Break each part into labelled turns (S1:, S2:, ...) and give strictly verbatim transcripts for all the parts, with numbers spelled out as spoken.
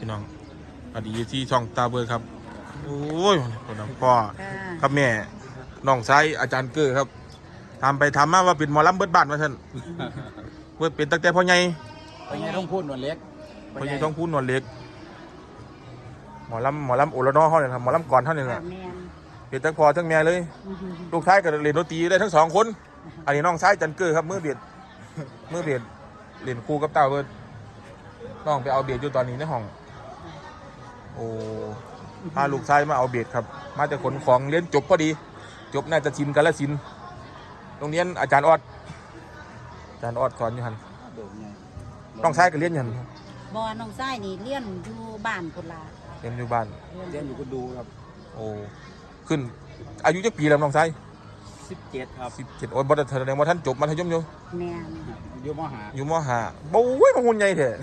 S1: พี่น้องอดีที่ช่องตาเบิร์ครับโอ้ยคนน้ำพ่อครับแม่น้องชายอาจารย์เกื้อครับทำไปทำมาว่าเป็นหมอลำเบิดบ้านมาท่านเบิดเป็นตั้งแต่พ่อใหญ่
S2: พ่อใหญ่ต้องพูดหนวดเล็ก
S1: พ่อใหญ่ต้องพูดนวลเล็กหมอลำหมอลำโอละนอเขาเนี่ยครับหมอลำก่อนเท่านี้แหละเป็นทั้งพ่อทั้งแม่เลยลูกชายก็เรียนดนตรีได้ทั้งสองคนอันนี้น้องชายอาจารย์เกื้อครับมือเบียดมือเบียดเรียนครูกับเต้าเบิร์ดน้องไปเอาเบียดอยู่ตอนนี้ในห้องโอ้พาลูกชายมาเอาเบียดครับมาจากขนของเรียนจบพอดีจบน่าจะชินกันละสินโรงเรียนอาจารย์ออดอาจารย์ออดสอนอยู่หันน้องชายก็เรียนอยู่หัน
S3: บอน้องชายนี่เรียนอยู่บ้านพุ่นล่ะ
S1: เรียนอยู่บ้าน
S2: เรียนอยู่กุดูครับ
S1: โอ้ขึ้นอายุจักปีแล้วน้องชาย
S2: สิบเจ็ดครับ
S1: สิบเจ็ดโอ้ยบอสแสดงว่าท่านจบมัธยมอยู่
S3: แม่
S2: อยู่มหา
S1: อยู่มหาโอ้ยมาหุ่นใหญ่เถอะ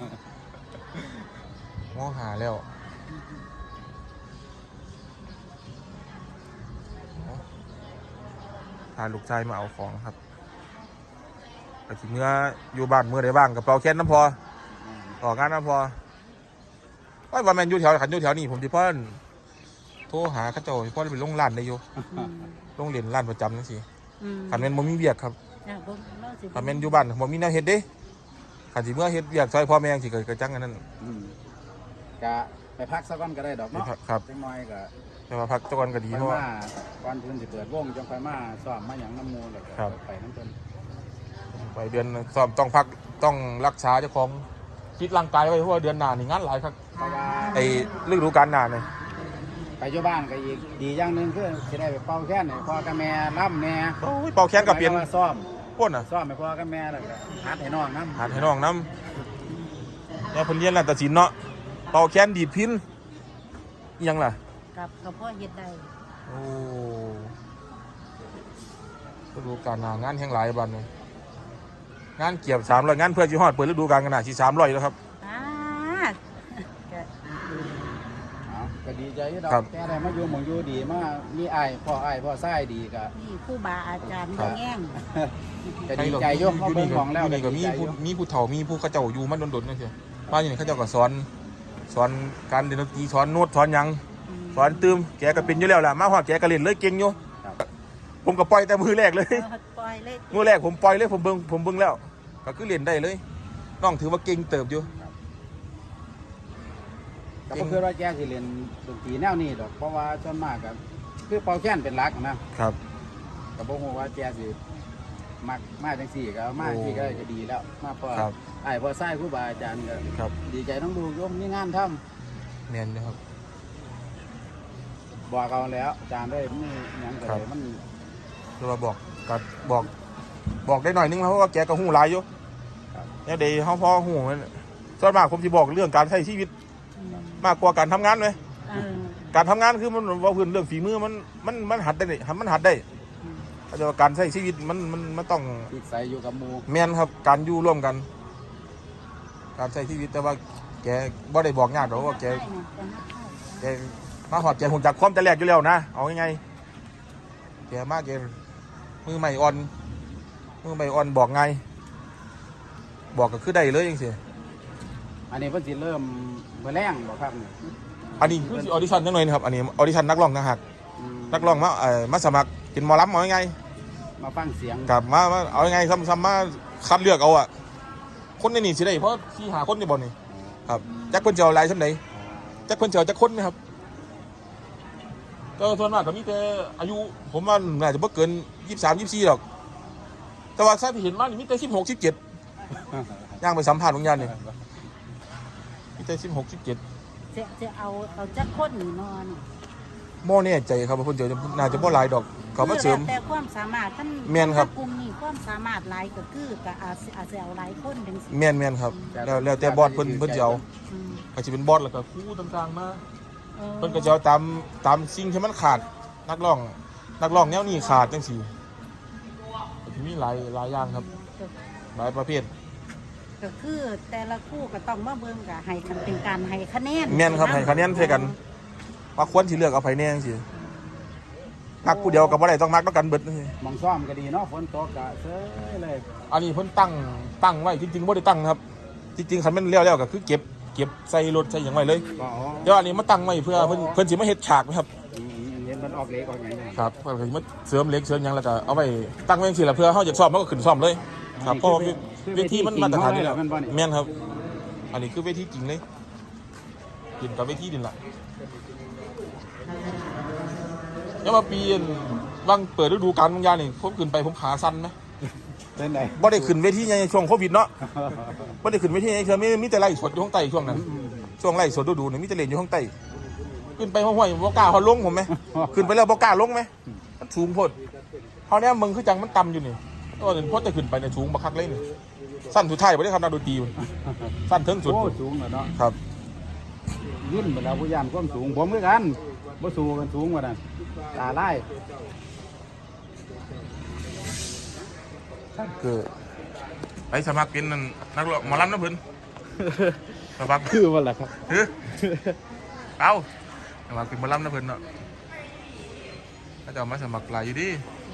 S1: มหาแล้วพาลูกชายมาเอาของครับไปถึงเมื่ออยู่บ้านเมื่อใดบ้างกับเปาแค้นน้ำพอต่องานน้ำพอว่าวันแมนอยู่แถวขันอยู่แถวนี้ผมที่พ่อโทรหาข้าเจ้าพ่อไปลงร้านได้อยู่ลงเรียนร้านประจำนั่นสิขันแมนบ่มีเบียกครับขันแมนอยู่บ้านบ่มีแนวเฮ็ดเด้ขันสิเมื่อเฮ็ดเบียกซอยพ่อแม่สิเกิดกระจังกันนั่น
S2: กะไปพักสักวันก็ได้ดอกเนาะ
S1: ครับ
S2: จังน้อยก็
S1: แต่ว่าพักตะวันก็ดีเพราะว่า
S2: วันเพิ่นสิเปิดวงจังไฟมาซ้อมมาหยังน้ำมูลแล้วก็ไปน้ำเพิ่น
S1: ไปเดือนซ้อมต้องพักต้องรักษาเจ้าของคิดร่างกายไว้เพราะว่าเดือนหน้านี่งานหลายครับ
S2: เพราะว่า
S1: ไอ้ฤดูกาลหน้าเนี่ย
S2: ไปอยู่บ้านก็อีกดีอย่างนึงคือสิได้ไปเป่าแค้นให้พ่อกับแม่ร่ำแม่
S1: โอ้ยเป่าแค้นกับเปลี่ยน
S2: ซ้อม
S1: พ่นอ่ะ
S2: ซ้อมให้พ่อกับแม่แล้วก็หัดให้น้องน้ำ
S1: หัดให้น้องน้ำเนี่ยเพิ่นเรียนนาฏศิลป์เนาะเป่าแค้นดีดพินยังล่ะ
S3: กับกับพ่อเฮ็ดได้
S1: โอ้ฤดูกาลหน้างานแห่งหลายบัดเลยงานเกี่ยวสามร้อยงานเพื่อจีฮอดเปิดฤดูกาลกันหนาสี่สามร้อยแล้วครับ
S2: ก็ดีใจที่เราแต่ได้มาอยู่หมองอยู่ดีมามีไอ้พ่อไอ้พ่อไส้ดีก็
S3: นี่ผู้บาอาจารย์แง่ง
S2: ก็ดีใจยกเข้าเบิ่งของแล้ว
S1: นี่ก็มีผู้มีผู้เฒ่ามีผู้เขาเจ้าอยู่มันโดนๆนั่นสิบ้านอย่างนี้เขาเจ้าก็สอนสอนการเรียนดนตรีสอนโน้ตสอนยังสอนตืมแกก็เป็นอยู่แล้วแหละมาฮอดแกก็เล่นเลยเก่งอยู่ผมก็ปล่อยแต่มือแรกเลยมือแรกผมปล่อยเลยผมเบิ่งผมเบิ่งแล้วก็คือเล่นได้เลยน้องถือว่าเก่งเติบอยู่
S2: แต่ก็คือว่าแกสิเรียนดนตรีแนวนี้ดอกเพราะว่าส่วนมากก็คือเป่าแค้นเป็นหลักนะครับแต่บ่ฮู้ว่าแกสิมักมาจังซี่ก็มาที่ก็จะดีแล้วมาพอไอ้พอไส้ครูบาอาจารย์ก็ดีใจต้องดูยกมีงานทำ
S1: แม่นนะครับ
S2: บอกเอาแล้วอาจารย์ได้มีหยังก็ได้มัน
S1: คือว่าบอกก็บอกบอกได้หน่อยนึงเพราะว่าแกก็ฮู้หลายอยู่เนี่ยเดี๋ยวเฮาพอฮู้ส่วนมากผมสิบอกเรื่องการใช้ชีวิตมากกว่าการทำงานไหมการทำงานคือมันว่าพื้นเรื่องฝีมือมันมันมันหัดได้มันหัดได้แต่ว่าการใช้ชีวิตมันมันมันต้อง
S2: ติดใส่อยู่กับหมู่
S1: แม่นครับการอยู่ร่วมกันการใช้ชีวิตแต่ว่าแกบ่ได้บอกญาติหรอกว่าแกแกมาหอดแกหุ่นจากความแต่แรกอยู่แล้วนะเอาไงแกมากแกมือใหม่อ่อนมือใหม่อ่อนบอกไงบอกก็คือได้เลยยังสิ
S2: อันนี้เพิ่นสิเริ่มเมื่อแรงบ่ครับนี่
S1: อันนี้คือออดิชั่นจังหน่อยนะครับอันนี้ออดิชั่นนักร้องนะฮะนักร้องมาเอ่อมาสมัครกินหมอลำเอาไง
S2: มาฟังเสียง
S1: กับมาเอาไงซ้ำๆมาคัดเลือกเอาอ่ะคนในนี่สิได้เพราะที่หาคนในบ่อนี่ครับจักเพิ่นจะเอาอะไรซั่นใดจักเพิ่นจะเอาจักคนไหมครับก็ส่วนมากก็มีแต่อายุผมว่าน่าจะบ่เกินยี่สิบสาม ยี่สิบสี่หรอกแต่ว่าถ้าที่เห็นมานี่มีแต่สิบหก สิบเจ็ดย่างไปสัมภาษณ์บางอย่างนี่มีแต่สิบหก สิบเจ็ด
S3: จะจะเอาเอาจักคนนี่นอน
S1: โม่เนี่ยใจครับว่าเพิ่นจะน่าจะบ่หลายดอกเขามาเสริม
S3: แต่ความสามารถท่าน
S1: แม่นครับ
S3: กลุ่มนี้ความสามารถหลายก็คือก็อาจอาจจะเอาหลายคนจังซี่
S1: แม่นแม่นครับแล้วแล้วแต่บอสเพิ่นเพิ่นจะเอาก็สิเป็นบอสแล้วก็ครูต่างๆมาเพิ่นก็จะเอาตามตามสิ่งที่มันขาดนักร้องนักร้องแนวนี้ขาดจังซี่ก็มีหลายหลายอย่างครับหลายประเภท
S3: ก็คือแต่ละคู่ก็ต้องมาเบิ่งก็ให้กันเป็นการให้คะแนน
S1: แม่นครับให้คะแนนใส่กันว่าควรสิเลือกเอาไผแน่จังซี่มักผู้เดียวก็บ่ได้ต้องมักต้องกันเบิดจังซี่
S2: มองซ้อมก็ดีเนาะฝนตกก็เซ้ยเลย
S1: อันนี้เพิ่นตั้งตั้งไว้จริงๆบ่ได้ตั้งครับจริงๆคันแม่นแล้วๆก็คือเก็บเก็บใส่รถใส่หยังไว้เลย
S2: ก็อ๋อ
S1: เดี๋ยวอันนี้มาตั้งไว้เพื่อเพิ่นเพิ่นสิมาเฮ็ดฉากไหมครับ
S2: อืมเห็นมันออกเล็กออกอย่างนี้
S1: ครับเพิ่นสิมาเสริมเหล็กเสริมหยังแล้วก็เอาไว้ตั้งไว้จังซี่ล่ะเพื่อเฮาจะซ่อมมันก็ขึ้นซ่อมเลยครับเพราะว่าเวทีมันมาตรฐานอยู่แล้วแม่นครับ อันนี้คือเวทีจริงเลยกินกับเวทีนี่ล่ะแล้วมาปีนวังเปิดฤดูกาลบางอย่างนี่ผมขึ้นไปผมขาสั่นไหม
S2: เป็นไง
S1: บ่ได้ขึ้นเวทีในช่วงโควิดเนาะบ่ได้ขึ้นเวทีในช่วงมีมีแต่ไล่สดอยู่ข้างใต้ช่วงนั้นช่วงไล่สดดูๆนี่มีแต่เล่นอยู่ข้างใต้ขึ้นไปห้วยๆบ่กล้าเฮาลงผมไหมขึ้นไปแล้วบ่กล้าลงไหมมันสูงโพดเฮาเนี่ยมึงคือจังมันต่ำอยู่นี่ก็เห็นพอจะขึ้นไปในสูงบักคักเลยนี่สั้นสุดท้ายบ่ได้ครับนักดนตรีมันสั้นถึงสุด
S2: โอ้สูงเหรอเนาะ
S1: ครับ
S2: ยื่นไปแล้วผู้ยานความสูงผมคือกันบ่สูงกันสูงกว่านั้นตาไล่
S1: คือไปสมัครเป็นนั่นนักร้องหมอลำนะเพิ่นสมัคร
S2: คือว่าล่ะครับ
S1: เฮ้ยเอาสมัครเป็นหมอลำนะเพิ่นเนาะถ้าจะเอามาสมัครหลายอยู่ดิ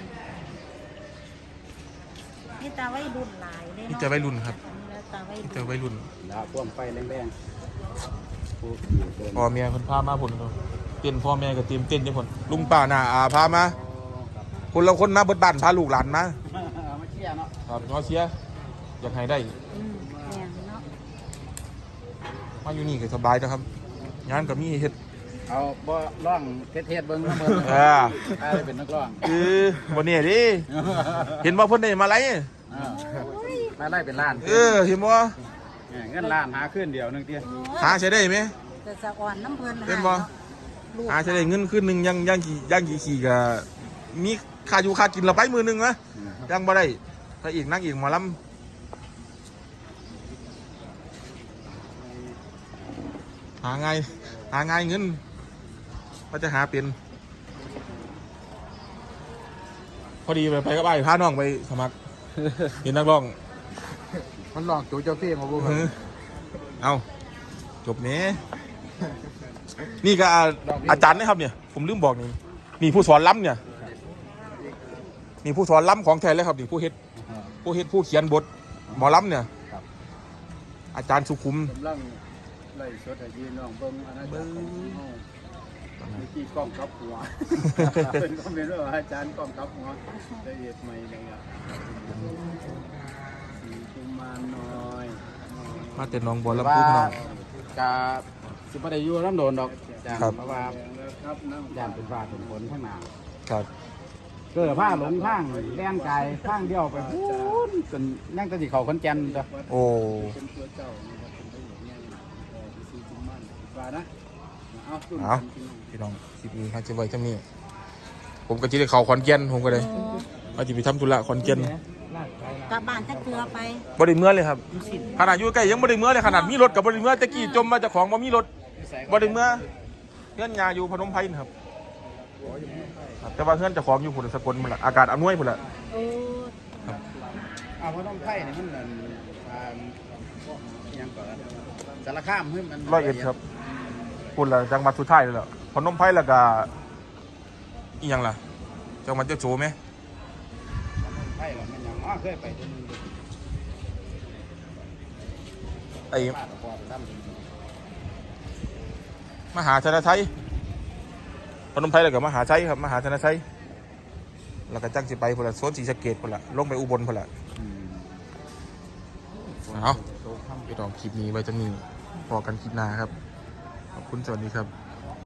S3: นี่ตาไว้รุ่นหลายเลย
S1: นี่
S3: เนาะ
S1: จะวัยรุ่นครับ
S3: แล้วตาไว้
S1: นี่
S3: รุ่น
S1: จะวัยรุ่น
S2: แล้วพ่วงไฟแรงๆผู้อยู่เดิน
S1: พ่อแม่เพิ่นพามาพุ่นครับเต้นพ่อแม่ก็เตรียมเต้นจังพุ่นลุงป้าน้าอาพามาคนละคนมาเบิดบ้านพาลูกหลานมา
S2: เอามาเชียร์เนาะ
S1: ครับงอเสียอยากให้ได้
S3: อืมแม่นเนาะ
S1: มาอยู่นี่ก็สบายนะครับงานก็มีเฮ็ด
S2: เอาบ่ร้องเทศๆเบิ่งเนาะเบิ่ง
S1: เออ
S2: ใครเป็นนักร้อง
S1: คือบ่เนี่ยดิเห็นบ่เพิ่นได้มาไล
S2: อ่ามาไล่เป็นล้าน
S1: เออเห็นบ่
S2: เงินล้านหาขึ้นเดียวหนึงเตี้ย
S3: โอ้ย
S1: หาใช้ได้ไหม
S3: จะสะอ่อนน้ำเพลิน
S1: เป็นบ่
S3: ลูก
S1: หาใช้ได้เงินคืนหนึงยังยังกี่ยังกี่ขี่ก็มีค่าอยู่ค่ากินเราไปมือหนึงนะยังบ่ได้พระเอกนางเอกหมอลำหาไงายหาไงายเงินก็จะหาเป็นพอดีไปไปกับไอ้พาน้องไปสมัครเป็นนักร้อง
S2: มันร้องโจเจ้าเพียงมาบ่
S1: เออเอาจบเนี้นี่ก็อาอาจารย์นะครับเนี่ย ผมลืมบอกนี่นี่ผู้สอนล้ำเนี่ยนี่ผู้สอนล้ำของแท้เลยครับนี่ผู้เฮ็ดผู้เฮ็ดผู้เขียนบทหมอล้ำเนี่ยอาจารย์สุขุม
S2: กำลังไล่สดให้พี่น้องเบิ่งอาจารย์ของเฮาเมื่อกี้กล้องกับหัวเป็นคอมเมนต์ว่าอาจารย์กล้องกับหัวละเอียดใหม่เลยอ่ะสีกุมารน้อย
S1: มาแต่หน้องบัวลำพูพี่น้อง
S2: กาสิบ่ได้อยู่น้ำโดนดอกจ้ะ
S1: ครับ
S2: เพราะว่าย่านเป็นฟ้าเป็นฝนข้างหน้า
S1: ครับ
S2: เกิดผ้าหลงทางแล่นกายข้างเดียวไปพูนจนนั่งแตะสิเขาคนแก่นจ้ะ
S1: โอ้
S2: เป็นตัวเจ้านะครับเป็นตัวใหญ่เออสีกุมารฟ้านะเอาตุ้น
S1: เอาพี่น้องคลิปนี้ครับจะไว้เท่านี้ผมก็จะได้เข้าขอนแก่นผมก็เลยว่าจะไปทำธุระขอนแก่น
S3: กลับบ้านจะเกลือไป
S1: บ่ได้เมื่อเลยครับขนาดอยู่ใกล้ยังบ่ได้เมื่อเลยขนาดมีรถกับบ่ได้เมื่อตะกี้จมมาจากของบ่มีรถบ่ได้เมื่อเพื่อนยาอยู่พนมไพรนะครับครับแต่ว่าเพื่อนเจะของอยู่พุ่นสกลพุ่นละอากาศอำนวยพุ่นละ
S3: โอ้
S2: เอาเพราะต้องไผ่นี่มันนั่นอ่ายังก่อนสารคามเฮ้ยมัน
S1: ร้อยเอ็ดครับพุ่นละจังหวัดสุดท้ายเลยล่ะพนมไพรแล้วก็อีหยังล่ะจังหวัดเจ้าโจไหม
S2: ไผ่หรอมันยังอ๋อเคยไปเดือนหนึง
S1: ไอ้
S2: ป้าตะกอนทำ
S1: มหาชนะชัยพนมไพรแล้วก็มหาชัยครับมหาชนะชัยแล้วก็จังสิไปพุ่นละโซนศรีสะเกษพุ่นละลงไปอุบลพุ่นละ
S2: อืม
S1: เอาพี่น้องคลิปนี้ไว้จะมีพอกันคลิปหน้าครับ ขอบคุณสวัสดีครับ